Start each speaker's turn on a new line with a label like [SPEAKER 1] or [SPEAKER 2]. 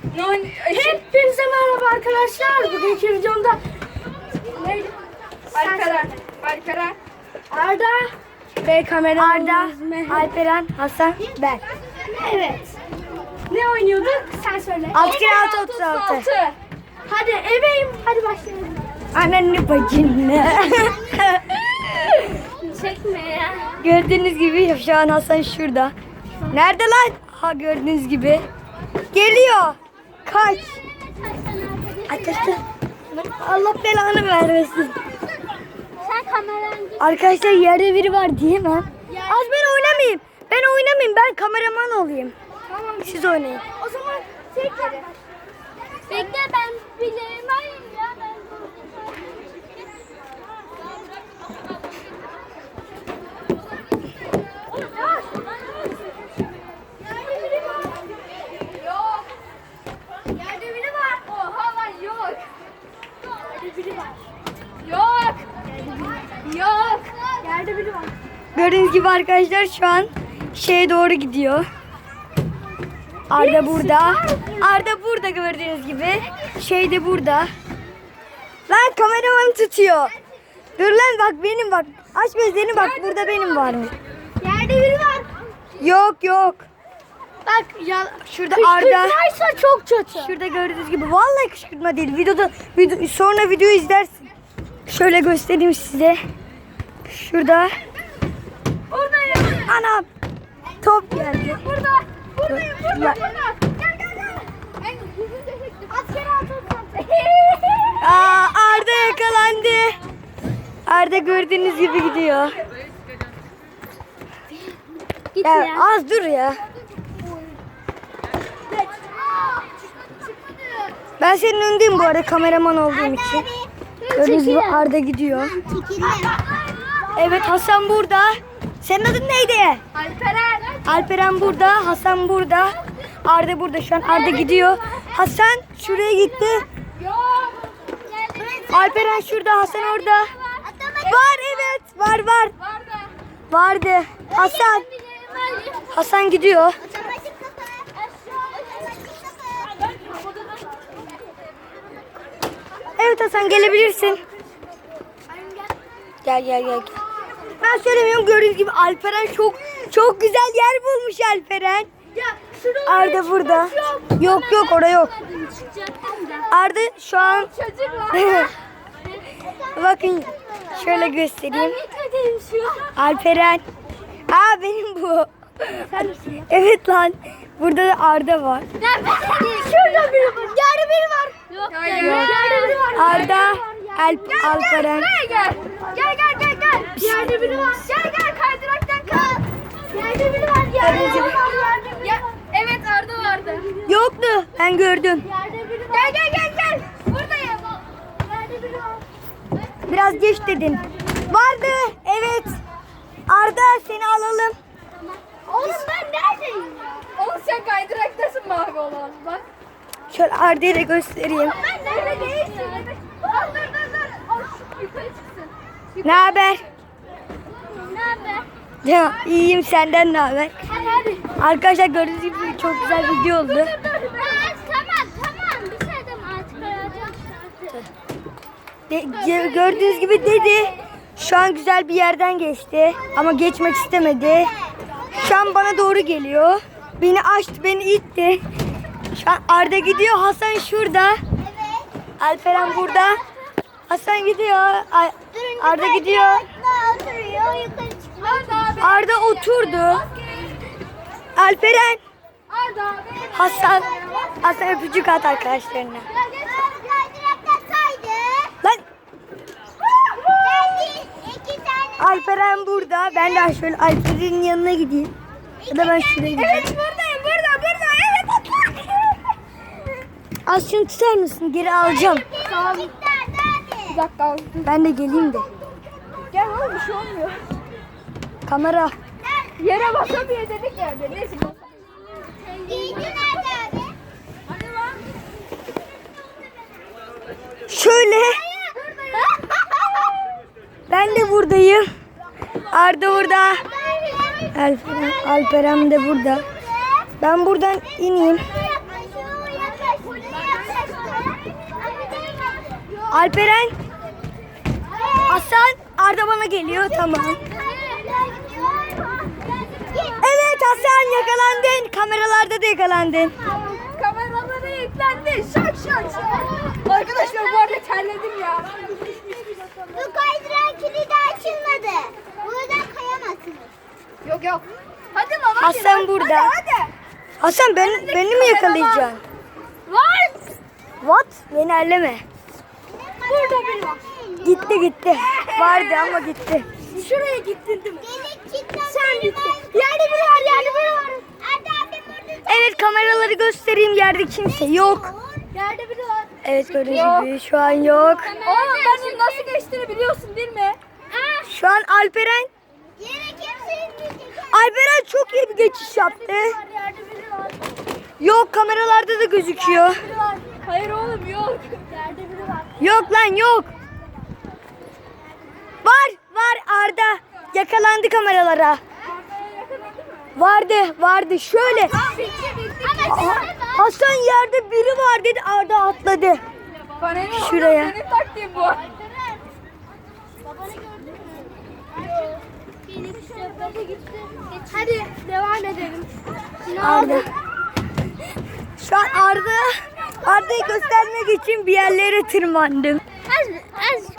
[SPEAKER 1] Hepinize merhaba arkadaşlar. Bugünkü videomda neydi?
[SPEAKER 2] Alperen.
[SPEAKER 1] Arda ve kamera
[SPEAKER 3] Arda, Alperen, Hasan, ben.
[SPEAKER 1] Evet. Ne oynuyorduk? Sen söyle.
[SPEAKER 3] 6 kere 6 36.
[SPEAKER 1] Hadi ebeyim. Hadi başlayalım.
[SPEAKER 3] Anneanne bacını.
[SPEAKER 1] Çekme ya.
[SPEAKER 3] Gördüğünüz gibi şu an Hasan şurada. Nerede lan? Ha gördüğünüz gibi. Geliyor. Kaç. Arkadaşlar Allah belanı vermesin.
[SPEAKER 1] Sen kameranı
[SPEAKER 3] Arkadaşlar yerde biri var diyemem. Az ben oynamayayım. Ben kameraman olayım.
[SPEAKER 1] Tamam.
[SPEAKER 3] Siz oynayın.
[SPEAKER 1] O zaman tekrar. Bekle ben bileyim. Hayır ya ben. Yok. Yerde biri var. Oha lan yok. Yerde biri var. Yok. Yok. Yerde biri var.
[SPEAKER 3] Gördüğünüz gibi arkadaşlar şu an şeye doğru gidiyor. Arda burada. Arda burada gördüğünüz gibi. Şey de burada. Lan kameramanı tutuyor. Dur lan bak benim bak. Aç gözlerini bak burada benim varmış.
[SPEAKER 1] Yerde biri var.
[SPEAKER 3] Yok. Bak ya şurada Arda.
[SPEAKER 1] Kışkırtmaysa çok kötü.
[SPEAKER 3] Şurada gördüğünüz gibi vallahi kışkırtma değil. Sonra videoyu izlersin. Şöyle göstereyim size. Şurada.
[SPEAKER 1] Buradayım.
[SPEAKER 3] Anam. Top geldi.
[SPEAKER 1] Buradayım.
[SPEAKER 3] Ya.
[SPEAKER 1] Gel. En yüzünü de çektim. At kere at.
[SPEAKER 3] Aa, Arda yakalandı. Arda gördüğünüz gibi gidiyor.
[SPEAKER 1] Git
[SPEAKER 3] Ya, az dur ya. Ben senin önündeyim bu arada kameraman olduğum için. Gördüğünüz gibi Arda gidiyor. Evet Hasan burada. Senin adın neydi? Alperen burada, Hasan burada. Arda burada şu an. Arda gidiyor. Hasan şuraya gitti. Alperen şurada, Hasan orada. Var evet, var. Vardı. Hasan gidiyor. Evet Hasan gelebilirsin. Gel. Ben söylemiyorum gördüğünüz gibi Alperen çok güzel yer bulmuş Alperen. Arda burada. Yok orada yok. Arda şu an bakın şöyle göstereyim. Alperen. Aa benim bu. Evet lan. Burada da Arda var.
[SPEAKER 1] Şurada biri var. Yerde biri var. Yok. Yerde biri var.
[SPEAKER 3] Arda, Alperen.
[SPEAKER 1] Gel. Yerde biri var. Gel kaydıraktan kal. Yerde biri var. Yerde biri var. Evet Arda vardı.
[SPEAKER 3] Yoktu. Ben gördüm.
[SPEAKER 1] Yerde biri var. Gel. Buradayım. Yerde biri var.
[SPEAKER 3] Biraz geç dedin. Vardı. Evet. Arda seni alalım.
[SPEAKER 1] Oğlum ben neredeyim? Oğlum sen kaydıraktasın mavi olan. Bak.
[SPEAKER 3] Şöyle Arda'yı da göstereyim.
[SPEAKER 1] Ben nerede değilsin? Dur. Yukarı çıksın.
[SPEAKER 3] Ne haber?
[SPEAKER 1] Ne haber?
[SPEAKER 3] Ya iyiyim senden ne haber?
[SPEAKER 1] Hadi.
[SPEAKER 3] Arkadaşlar gördüğünüz gibi çok güzel video oldu.
[SPEAKER 1] Tamam. Bir şey deme artık.
[SPEAKER 3] Gördüğünüz gibi dedi. Şu an güzel bir yerden geçti ama geçmek istemedi. Şu an bana doğru geliyor. Beni açtı, beni itti. Şu an Arda gidiyor, Hasan şurada. Alperen burada. Hasan gidiyor. Arda gidiyor. Arda oturdu. Alperen. Hasan öpücük at arkadaşlarına. Lan Alperen burada. Ben de şöyle Alperen'in yanına gideyim. Ya da ben şuraya gideyim.
[SPEAKER 1] Evet buradayım. Burada. Evet atla.
[SPEAKER 3] Az şunu tutar mısın? Geri alacağım.
[SPEAKER 1] Tamam. Bir dakika.
[SPEAKER 3] Ben de geleyim de.
[SPEAKER 1] Gel oğlum bir şey olmuyor.
[SPEAKER 3] Kamera.
[SPEAKER 1] Yere basamıyor dedik ya. Neyse.
[SPEAKER 3] Şöyle. Ben de buradayım. Arda burada. Alperen de burada. Ben buradan ineyim. Alperen, Hasan, Arda bana geliyor. Tamam. Evet Hasan, yakalandın. Kameralarda da yakalandın.
[SPEAKER 1] Kameralara yüklendi. Şak şak şak. Arkadaşlar bu arada terledim ya.
[SPEAKER 2] Bu kaydıran kilidi açılmadı. Buradan kayamazsınız.
[SPEAKER 1] Yok yok. Hadi lan hadi.
[SPEAKER 3] Hasan
[SPEAKER 1] lan.
[SPEAKER 3] burada.
[SPEAKER 1] Hadi.
[SPEAKER 3] Hasan beni mi yakalayacaksın?
[SPEAKER 1] Var.
[SPEAKER 3] What? Beni elleme.
[SPEAKER 1] Burada biri var.
[SPEAKER 3] Gitti. Vardı ama gitti.
[SPEAKER 1] Şuraya gittin değil mi?
[SPEAKER 2] Delik kilitlen.
[SPEAKER 1] Sen gittin. Yerde biri var, yerde biri var.
[SPEAKER 2] Hadi abi burada.
[SPEAKER 3] Evet kameraları göstereyim. Yerde kimse yok.
[SPEAKER 1] Yerde biri var.
[SPEAKER 3] Evet gördüğünüz gibi şu an yok.
[SPEAKER 1] Oğlum ben onun nasıl geçtiğini biliyorsun değil mi?
[SPEAKER 3] Şu an Alperen.
[SPEAKER 2] Yere kimse inmeyecek.
[SPEAKER 3] Alperen çok iyi bir geçiş yaptı.
[SPEAKER 1] Yerde biri var.
[SPEAKER 3] Yok kameralarda da gözüküyor.
[SPEAKER 1] Biri var. Hayır oğlum yok. Yerde biri var.
[SPEAKER 3] Yok lan yok. Var Arda. Yakalandı kameralara. Vardı şöyle. Hasan yerde biri var dedi, Arda atladı.
[SPEAKER 1] Bana ne oğlum?
[SPEAKER 3] Şuraya.
[SPEAKER 1] Benim taktiğim bu.
[SPEAKER 2] Babanı gördün mü? Gelip şöyle gitti.
[SPEAKER 1] Hadi devam edelim.
[SPEAKER 3] Arda. Şu an Arda'yı göstermek için bir yerlere tırmandım.
[SPEAKER 2] Az